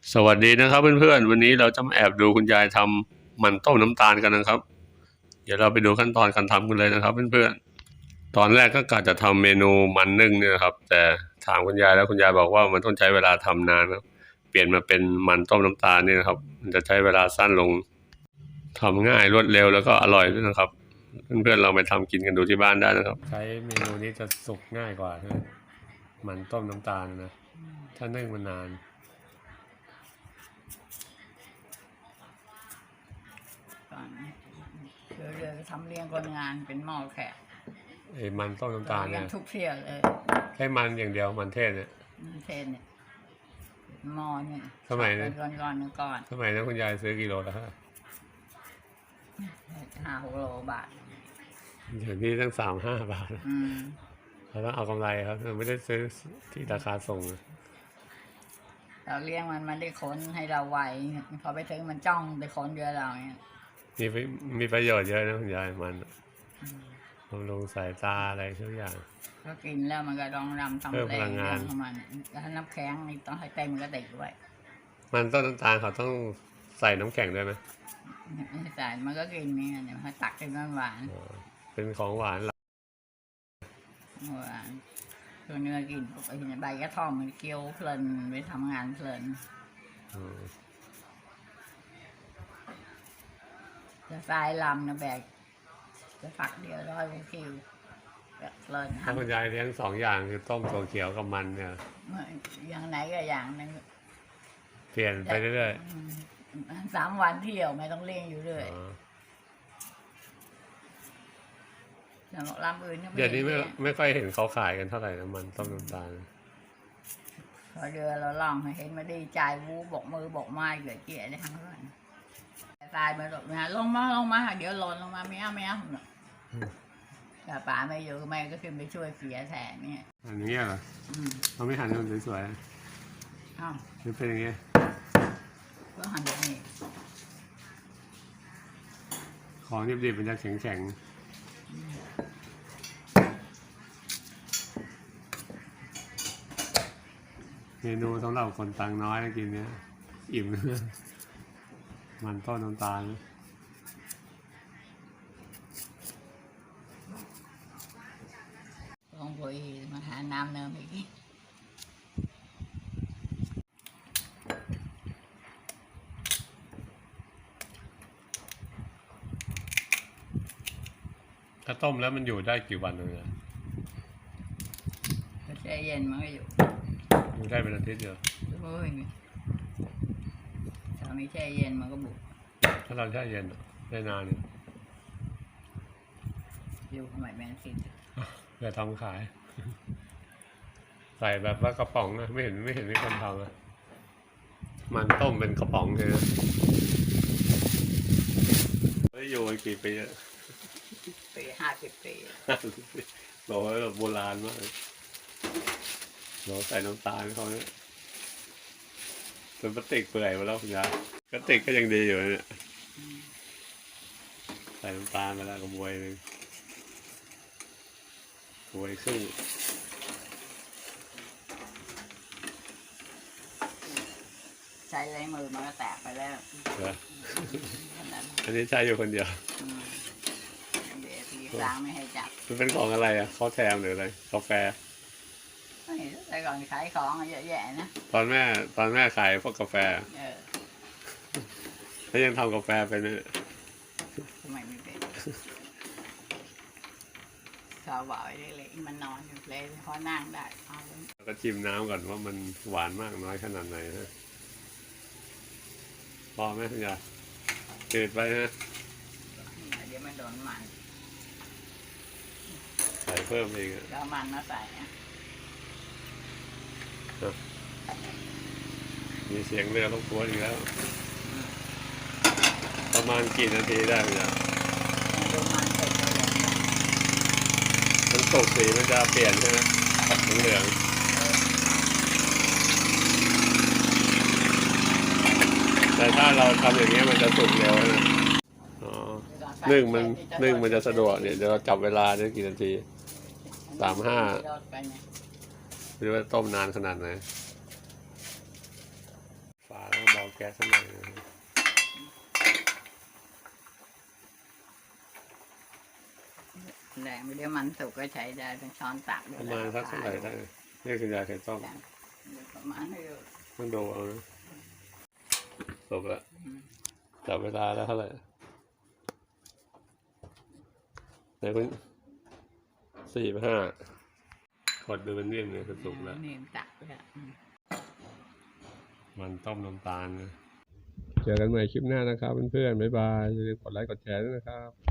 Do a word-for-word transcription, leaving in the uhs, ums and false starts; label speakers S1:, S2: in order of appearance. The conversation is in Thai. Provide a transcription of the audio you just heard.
S1: สวัสดีนะครับเพื่อนๆวันนี้เราจะมาแอบดูคุณยายทำมันต้มน้ำตาลกันนะครับเดี๋ยวเราไปดูขั้นตอนการทำกันเลยนะครับเพื่อนๆตอนแรกก็กะจะทำเมนูมันนึ่งเนี่ยครับแต่ถามคุณยายแล้วคุณยายบอกว่ามันต้องใช้เวลาทำนานครับเปลี่ยนมาเป็นมันต้มน้ำตาลนี่นะครับมันจะใช้เวลาสั้นลงทำง่ายรวดเร็วแล้วก็อร่อยด้วยนะครับเพื่อนๆเราไปทำกินกันดูที่บ้านได้นะครับใช้เมนูนี้จะสุกง่ายกว่ามันต้มน้ำตาลนะถ้านึ่งมันนาน
S2: เรือเรือทำเลี้ยงคนงานเป็นหม้อแขก
S1: ไอ้มันต้มน้ำตาลเนี่ย
S2: ทุกเที่ยวเลย
S1: แค่มันอย่างเดียวมันเทศเนี่ย
S2: มันเทศเนี่ยหม้อเนี่ย
S1: สมัยนั้น
S2: ก่อนก่อนก่อน
S1: สมัยนั้นคุณยายซื้อกิโลละห้า
S2: ห้าหกโลบาท
S1: เดี๋ยวนี้ตั้งสามห้าบาทเราต้องเอากำไรครับเราไม่ได้ซื้อที่ราคาส่ง
S2: เราเลี้ยงมันมันได้ค้นให้เราไวพอไปถึงมันจ้องไปค้นเรือเราเนี่ย
S1: มีมีประโยชน์เยอะนะคุณยายมันบำรุงสายตาอะไรทุกอย่าง
S2: ก็กินแล้วมันก็ต้องรำทำแรงของมันถ้าน้ำแข็งนี่ต้องให้เต็มมันก็ติดด้วย
S1: มันต้นน้ำตาลเขาต้องใส่น้ำแข็งด้วยไหม
S2: ไม่ใส่มันก็กินนี่เดี๋ยวให้ตักเป็นหวาน
S1: เป็นของหวานหรอ
S2: หวานตัวเนื้อกินไปเห็นใบกระท่อมมันเคี้ยวเพลินไปทำงานเพลินจะทรายลำนะแบกจะฝักเดียวร้อยคิวแบบเพลิน
S1: ถ้าคุณยายเลี้ยงสองอย่างคือต้มตัวเขียวกับมันเนี่ย
S2: อย่างไหนก็อย่างนึง
S1: เปลี่ยนไปเรื่อย
S2: ๆสามวันเที่ยวไม่ต้องเลี้ยงอยู่เลยอย่างลำอื่น
S1: เดี๋ยวนี้ไม่ไม่ค่อยเห็นเขาขายกันเท่าไหร่นะมันต้มน้ำตาล
S2: พอเดือเราลองเห็นมาดีใจวูบอกมือบอกไม้เกิดเกี่ยได้ทั้งนั้นตายไปหลบนะลงมาลงมาเดี๋ยวหล่นลงมาไม่เอาไม่เอาแต่ป๋าไม่อยู่แม่ก็ขึ้นไปช่วยเสียแทนเนี่ย
S1: อันนี้เหรอเขาไม่หั่นให้มันสวยๆอ้าวมันเป็นอย่างเงี้ย
S2: ก็หั่นแบบนี้
S1: ของดิบๆมันจะแข็งๆเมนูสำหรับคนตังน้อยกินเนี้ยอิ่มมันต้นน้ำตาล
S2: ลองไปมาหาน้ำเนิมอีก
S1: ถ้าต้มแล้วมันอยู่ได้กี่วันเลย
S2: ก็แช่เย็นมันก็อยู่
S1: อยู่ได้เป็นอาทิตย์เดียว
S2: โอ้ยถ้าไม่แช่เย็นมันก็บุก
S1: ถ้าเราแช่เย็นได้นานอยู่
S2: อยู่ทำไมแมนซิน
S1: เดี๋ยวทำขายใส่แบบว่ากระป๋องนะไม่เห็นไม่เห็นมีคนทำนะมันต้มเป็นกระป๋องเลยนะไม่อยู่มากี่ปีอะ
S2: ปีห้าสิบปี
S1: เราแบบโบราณมากเราใส่น้ำตาลเขาเนี่ยจนพลาสติกเปื่อยมาแล้วคุณยายพลาสติกก็ยังดีอยู่เนี่ยใส่น้ำตาลมาแล้วก็บวยเลยบวยครึ่ง
S2: ใช้ไรมือมันก็แตกไปแล้ว
S1: อันนี้ใช้อยู่คนเดียว
S2: ล้างไม่ให้จับ
S1: มันเป็นของอะไรอ่ะข้าวแทมหรืออะไรกาแฟ
S2: แต่ก่อนขายของเยอะแยะนะ
S1: ตอนแม่ตอนแม่ขายพวกกาแฟแล้วยังทำกาแฟเป็นไหม
S2: ทำไมไม่เป็นเขาบอกไอ้เล็กมันนอนอยู่เลยพอนั่งได้
S1: ก็ชิมน้ำก่อนว่ามันหวานมากน้อยขนาดไหนฮะพอไหมคุณยายเกิดไปนะ
S2: เดี๋ยวมันโดนมัน
S1: ใส่เพิ่มเอง
S2: แล้วมันมาใส่
S1: มีเสียงเรือรบกวนอีกแล้วประมาณกี่นาทีได้ไหมจ๊ะมันตกสีมันจะเปลี่ยนใช่ไหมเหลืองแต่ถ้าเราทำอย่างนี้มันจะสุกเร็วนะอ๋อนึ่งมันนึ่งมันจะสะดวกเนี่ยเดี๋ยวเราจับเวลาได้กี่นาทีสามห้าหรือว่าต้มนานขนาดไหนฝาแล้วแก๊สสักหน่อยนะ
S2: แรงไปเดี๋ยวมันสุกก็ใช้ได้เป็นช้อนตัก
S1: ประมาณสักเท่าไหร่ได้นี่คุณยายเคยต้ม
S2: ประมาณนี้
S1: ต้องดูเอานะจบละจับเวลาแล้วเท่าไหร่ไหนคุณสี่ไปห้ากดดูเป็นนิ่มเนี่ยคือสุกแล้ว
S2: นี่ตักเลย
S1: มันต้มน้ำตาลนะเจอกันใหม่คลิปหน้านะครับเพื่อนๆบ๊ายบายอย่าลืมกดไลค์กดแชร์ด้วยนะครับ